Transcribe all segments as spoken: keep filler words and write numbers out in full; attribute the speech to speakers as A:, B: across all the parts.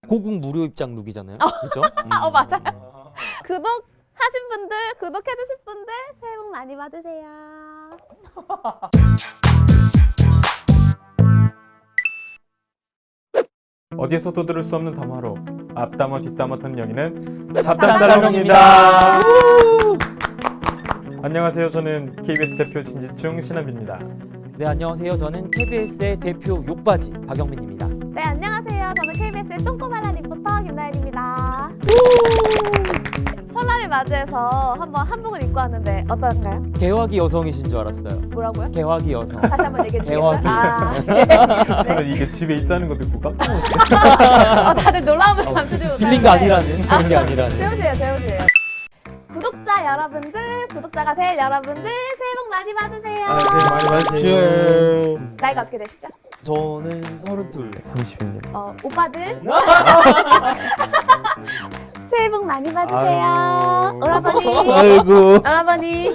A: 고국 무료 입장 룩이잖아요. 그렇죠? 음.
B: 어 맞아요. 구독하신 분들, 구독해주실 분들 새해 복 많이 받으세요.
C: 어디에서도 들을 수 없는 담화로 앞담화 뒷담화 터는 여기는
A: 잡담사롱입니다.
C: 안녕하세요. 저는 케이비에스 대표 진지충 신한비입니다.
A: 네, 안녕하세요. 저는 케이비에스의 대표 욕바지 박영민입니다.
B: 네 안녕하세요. 저는 케이비에스의 똥꼬말라 리포터 김나연입니다. 설날을 맞이해서 한번 한복을 입고 왔는데 어떤가요?
A: 개화기 여성이신 줄 알았어요.
B: 뭐라고요?
A: 개화기 여성.
B: 다시 한번 얘기해 주시겠어요?
A: 대화기.
B: 아, 네.
C: 저는 이게 집에 있다는 거 듣고 깜짝 놀랐어요.
B: 어, 다들 놀라움을 감추지 못하는데
A: 빌린 거 아니라는 그런 게 아니라는.
B: 재우시에요, 재우시에요. 구독자 여러분들, 구독자가 될 여러분들 새해 복 많이 받으세요.
A: 아, 새해 복 많이 받으세요.
B: 나이가 어떻게 되시죠?
A: 저는 서른둘.
C: 삼십입니다.
B: 어, 오빠들 새해 복 많이 받으세요.
C: 아이고.
B: 오라버니,
A: 아이고.
B: 오라버니.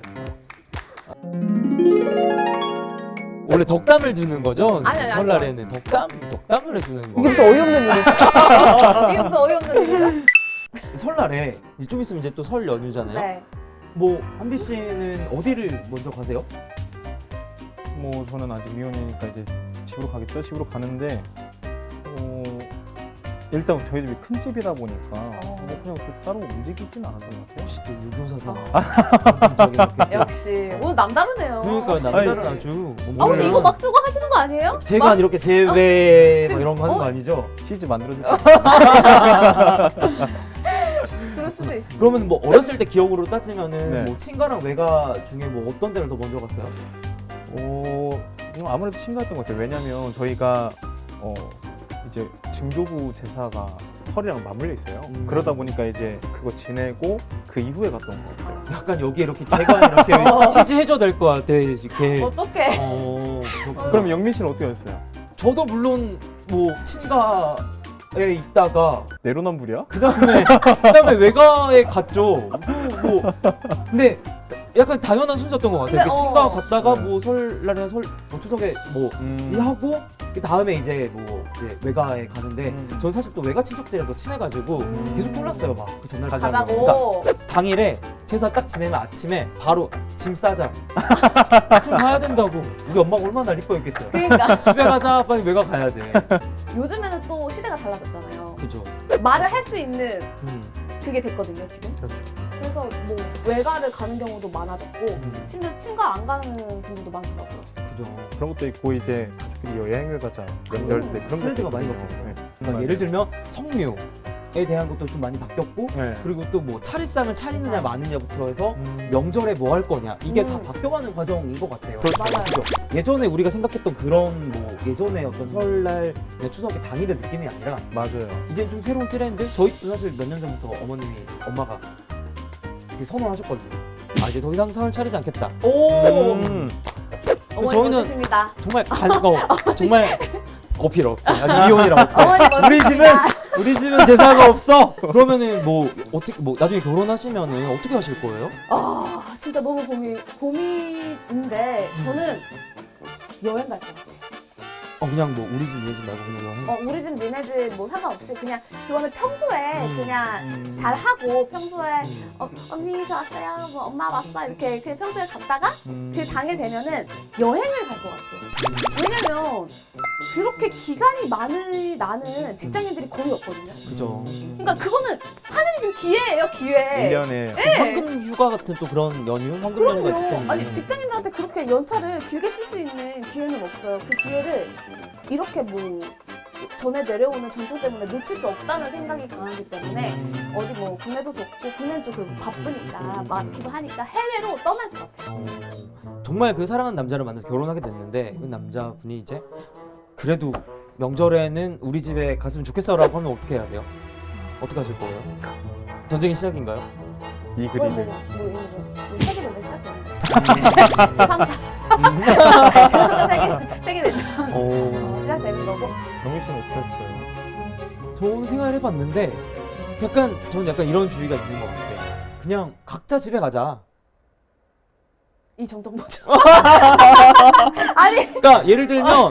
A: 원래 덕담을 주는 거죠?
B: 아니, 아니,
A: 설날에는 덕담, 덕담을 해주는 거.
B: 이게 무슨 어이없는 일이죠? 이게 무슨 어이없는 일이죠?
A: 설날에 이제 좀 있으면 이제 또 설 연휴잖아요.
B: 네.
A: 뭐 한비 씨는 어디를 먼저 가세요?
C: 뭐 저는 아직 미혼이니까 이제 집으로 가겠죠. 집으로 가는데 어, 일단 저희 집이 큰 집이다 보니까 뭐 그냥 또 따로 움직이지는 않았던 것 같아요.
A: 혹시 또 유교사상.
B: 아. 역시 오늘 남다르네요.
A: 그러니까
B: 혹시-
A: 남자는 아주.
B: 아 혹시 이거 막 쓰고 하시는 거 아니에요?
A: 제가
B: 막-
A: 이렇게 제외
B: 지금-
A: 뭐 이런 거 하는
B: 어?
A: 거 아니죠?
C: 치즈 만들어줄게요.
B: 그럴 수도 있어.
A: 그러면 뭐 어렸을 때 기억으로 따지면은
C: 네.
A: 뭐 친가랑 외가 중에 뭐 어떤 데를 더 먼저 갔어요?
C: 어, 음, 아무래도 친구였던 것 같아요. 왜냐면 저희가 어, 이제 증조부 제사가 설이랑 맞물려 있어요.
A: 음.
C: 그러다 보니까 이제 그거 지내고 그 이후에 갔던 것 같아요.
A: 약간 여기 이렇게 제가 이렇게 치즈 해줘야 될 것 같아 이렇게.
B: 어떡해.
A: 어, 그렇구나.
C: 그럼 영민 씨는 어떻게 했어요?
A: 저도 물론 뭐 친가에 있다가
C: 내로남불이야?
A: 그 다음에 그 다음에 외가에 갔죠. 뭐, 뭐 근데 약간 당연한 순서였던 것 같아요.
B: 근데,
A: 이렇게
B: 어.
A: 친가 갔다가
C: 네.
A: 뭐 설날이나 설 뭐 추석에 뭐
C: 음.
A: 일하고 그 다음에 이제 뭐 이제 외가에 가는데
C: 음.
A: 전 사실 또 외가 친척들이랑 더 친해가지고
B: 음.
A: 계속 졸랐어요 막 그 전날
B: 가자고.
A: 그러니까 당일에 제사 딱 지내면 아침에 바로 짐 싸자. 그럼 가야 된다고. 우리 엄마가 얼마나 날 이뻐했겠어요.
B: 그러니까
A: 집에 가자 빨리 외가 가야 돼.
B: 요즘에는 또 시대가 달라졌잖아요.
A: 그죠.
B: 말을 할 수 있는
A: 음.
B: 그게 됐거든요 지금.
C: 그렇죠.
B: 그래서 뭐 외가를 가는 경우도 많아졌고
A: 음.
B: 심지어 친가 안 가는 분들도 많더라고요.
A: 그죠.
C: 그런 것도 있고 이제 가족끼리 여행을 가자 명절 때 그런
A: 트렌드가
C: 것도
A: 많이
C: 있거든요.
A: 바뀌었어요.
C: 네.
A: 그러니까
C: 맞아요.
A: 예를 들면 성묘에 대한 것도 좀 많이 바뀌었고
C: 네.
A: 그리고 또 뭐 차례상을 차리느냐 마느냐부터 해서
C: 음.
A: 명절에 뭐 할 거냐 이게
B: 음.
A: 다 바뀌어가는 과정인 것 같아요.
C: 그렇죠.
B: 맞아요.
A: 그죠? 예전에 우리가 생각했던 그런 뭐 예전에 어떤 설날 추석의 당일의 느낌이 아니라
C: 맞아요.
A: 이제 좀 새로운 트렌드. 저희도 사실 몇 년 전부터 어머님이 엄마가 이렇게 선언하셨거든요. 아 이제 더 이상 상을 차리지 않겠다.
B: 오
C: 음.
B: 어머니
A: 저희는-
B: 멋지십니다.
A: 정말 간 어, 정말 어필 없. 아직 미혼이라고.
B: 어머니 멋지십니다.
A: 우리 집은 우리 집은 제사가 없어. 그러면은 뭐 어떻게 뭐 나중에 결혼하시면은 어떻게 하실 거예요?
B: 아 진짜 너무 고민 고민인데 저는 여행 갈 것 같아요.
A: 어 그냥 뭐 우리 집 니네 집 말고 그냥 여행.
B: 어, 우리 집 니네 집 뭐 상관없이 그냥 그거는 평소에
A: 음.
B: 그냥
C: 음.
B: 잘 하고 평소에
A: 음.
B: 어, 언니 저 왔어요 뭐 엄마 왔어 이렇게 그냥 평소에 갔다가
C: 음.
B: 그 당일 되면은 여행을 갈 것 같아요. 왜냐면 그렇게 기간이 많은 나는 직장인들이 거의 없거든요.
A: 그죠.
B: 그러니까 그거는 하늘이 준 기회예요 기회.
C: 일 년에
A: 황금 휴가 같은 또 그런 연휴, 황금 연휴가 있기
B: 그럼요.
A: 때문에.
B: 아니 직장인들한테 그렇게 연차를 길게 쓸 수 있는 기회는 없어요. 그 기회를 이렇게 뭐 전에 내려오는 전통 때문에 놓칠 수 없다는 생각이 강하기 때문에
A: 음.
B: 어디 뭐 국내도 좋고 국내는 좀 그리고 바쁘니까
A: 음.
B: 많기도 하니까 해외로 떠날 것 같아요.
A: 어, 정말 그 사랑하는 남자를 만나서 결혼하게 됐는데 그 남자분이 이제 그래도 명절에는 우리 집에 갔으면 좋겠어라고 하면 어떻게 해야 돼요? 어떻게 하실 거예요? 전쟁이 시작인가요?
C: 이
B: 거의
C: 그림을
B: 뭐, 뭐, 뭐, 뭐 세계 전쟁 시작되는 거죠. 제삼 차. 제삼 차 세계 세계 대전
A: 어...
B: 시작되는 거고.
C: 영민 씨는 어떻게 하셨어요?
A: 좋은 생각을 해봤는데 약간 저는 약간 이런 주의가 있는 것 같아요. 그냥 각자 집에 가자.
B: 이 정정 뭐죠? 아니
A: 그러니까 예를 들면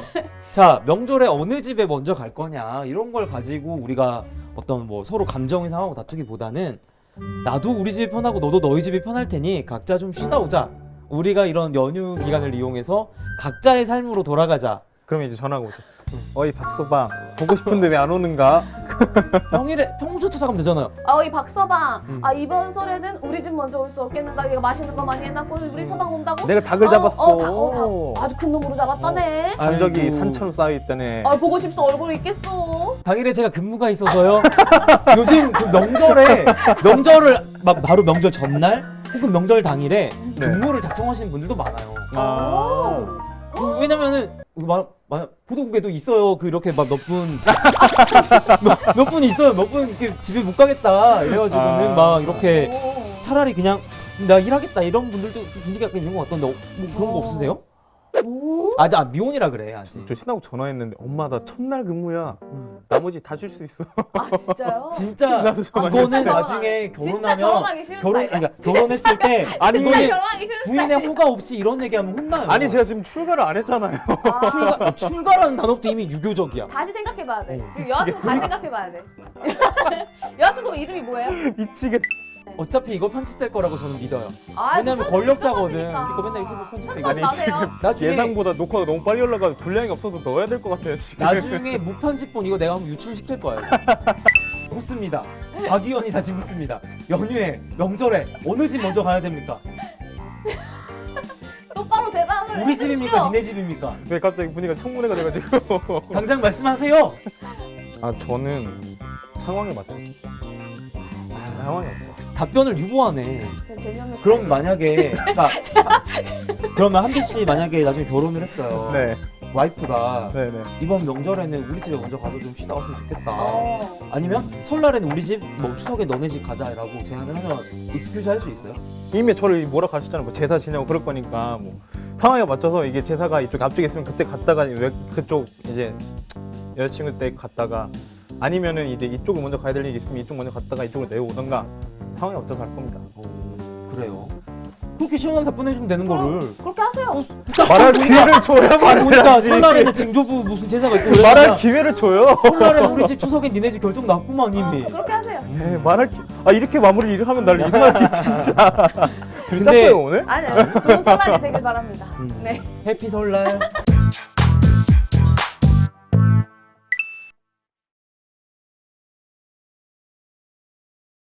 A: 자, 명절에 어느 집에 먼저 갈 거냐 이런 걸 가지고 우리가 어떤 뭐 서로 감정이 상하고 다투기보다는 나도 우리 집이 편하고 너도 너희 집이 편할 테니 각자 좀 쉬다 오자. 우리가 이런 연휴 기간을 이용해서 각자의 삶으로 돌아가자.
C: 그러면 이제 전화가 오죠. 어이 박서방 보고 싶은데 왜 안 오는가?
A: 평일에 평소 찾아가면 되잖아요.
B: 아, 이 박서방.
A: 음.
B: 아, 이번 설에는 우리 집 먼저 올 수 없겠는가? 얘가 맛있는 거 많이 해놨고 우리 서방 온다고?
C: 내가 닭을
B: 어,
C: 잡았어.
B: 어, 다, 어, 다. 아주 큰 놈으로 잡았다네.
C: 산적이
A: 아이고.
C: 산처럼 쌓여 있다네.
B: 아, 보고 싶소. 얼굴이 있겠어.
A: 당일에 제가 근무가 있어서요. 요즘 그 명절에 명절을 막 바로 명절 전날 혹은 명절 당일에
C: 네.
A: 근무를 자청하시는 분들도 많아요.
C: 아.
A: 그 왜냐면은 마, 마, 보도국에도 있어요. 그 이렇게 막 몇 분 몇 분 있어요. 몇 분 이렇게 집에 못 가겠다 이래가지고는
C: 아.
A: 막 이렇게
B: 오.
A: 차라리 그냥 나 일하겠다 이런 분들도 좀 분위기가 약간 있는 것 같던데 어, 뭐 그런 거
B: 어.
A: 없으세요?
B: 오.
A: 아직 아, 미혼이라 그래 아직.
C: 저 신나고 전화했는데 엄마 나 첫날 근무야.
A: 음.
C: 나머지 다 쉴 수 있어.
B: 아, 진짜요?
A: 진짜
C: 나도 좀
A: 이거는
B: 진짜
A: 나중에
B: 진짜
A: 결혼하면
B: 결혼하기 싫은
A: 결혼
B: 스타일이야.
A: 아니 그러니까 결혼했을 때
C: 아니,
B: 진짜
A: 이거는
B: 결혼하기 싫은
A: 부인의
B: 스타일이야.
A: 허가 없이 이런 얘기하면 혼나요.
C: 아니 제가 지금 출가를 안 했잖아요.
B: 아.
A: 출가 출가라는 단어도 이미 유교적이야.
B: 다시 생각해봐야 돼.
A: 어,
B: 지금 여자친구 다시 생각해봐야 돼. 여자친구 이름이 뭐예요?
C: 미치겠.
A: 어차피 이거 편집될 거라고 저는 믿어요.
B: 아,
A: 왜냐면
B: 편집
A: 권력자거든.
B: 하시니까.
A: 이거 맨날 유튜브 편집되고.
B: 편집
C: 아니,
B: 나세요?
A: 나중에
C: 예상보다 녹화가 너무 빨리 올라가 분량이 없어도 넣어야 될 것 같아요 지금.
A: 나중에 무편집본 이거 내가 한번 유출시킬 거예요. 묻습니다. 박 의원이 다시 묻습니다. 연휴에 명절에 어느 집 먼저 가야 됩니까?
B: 똑바로 대답을
A: 우리 집입니까?
B: 해주십시오.
A: 니네 집입니까?
C: 왜 갑자기 분위기가 청문회가 돼가지고.
A: 당장 말씀하세요.
C: 아 저는 상황에 맞춰서. 상황에 맞춰서.
A: 답변을 유보하네.
B: 진짜 재미없는
A: 그럼
B: 스타일.
A: 만약에 그러니까 그러면 한비 씨 만약에 나중에 결혼을 했어요.
C: 네,
A: 와이프가
C: 네, 네.
A: 이번 명절에는 우리 집에 먼저 가서 좀 쉬다 왔으면 좋겠다.
B: 어.
A: 아니면 설날에는 우리 집, 뭐 추석에 너네 집 가자라고 제안을 하면 익스큐즈 할 수 있어요?
C: 이미 저를 뭐라 가셨잖아요. 뭐 제사 지내고 그럴 거니까 뭐 상황에 맞춰서 이게 제사가 이쪽 앞쪽에 있으면 그때 갔다가 왜 그쪽 이제 여자친구 때 갔다가 아니면은 이제 이쪽을 먼저 가야 될 일이 있으면 이쪽 먼저 갔다가 이쪽을 내려오던가 상황에 맞춰서 할 겁니다.
A: 오, 그래요. 그렇게 시원하게 답변해주면 되는 거를.
B: 그렇게 하세요.
C: 말할 기회를 줘야
A: 지금
C: 말을
A: 보니까
C: 해야지.
A: 설날에는 징조부 무슨 제사가 있고 그러니까
C: 말할 기회를 줘요.
A: 설날에는 우리 집 추석엔 니네 집 결정 났구만 이미.
B: 어, 그렇게 하세요.
C: 네, 말할 기... 아 이렇게 마무리를 하면 날 이상하게 진짜. 둘이
A: 근데-
C: 짰어요 오늘?
B: 아니요. 좋은 설날이 되길 바랍니다.
A: 음.
B: 네.
A: 해피 설날.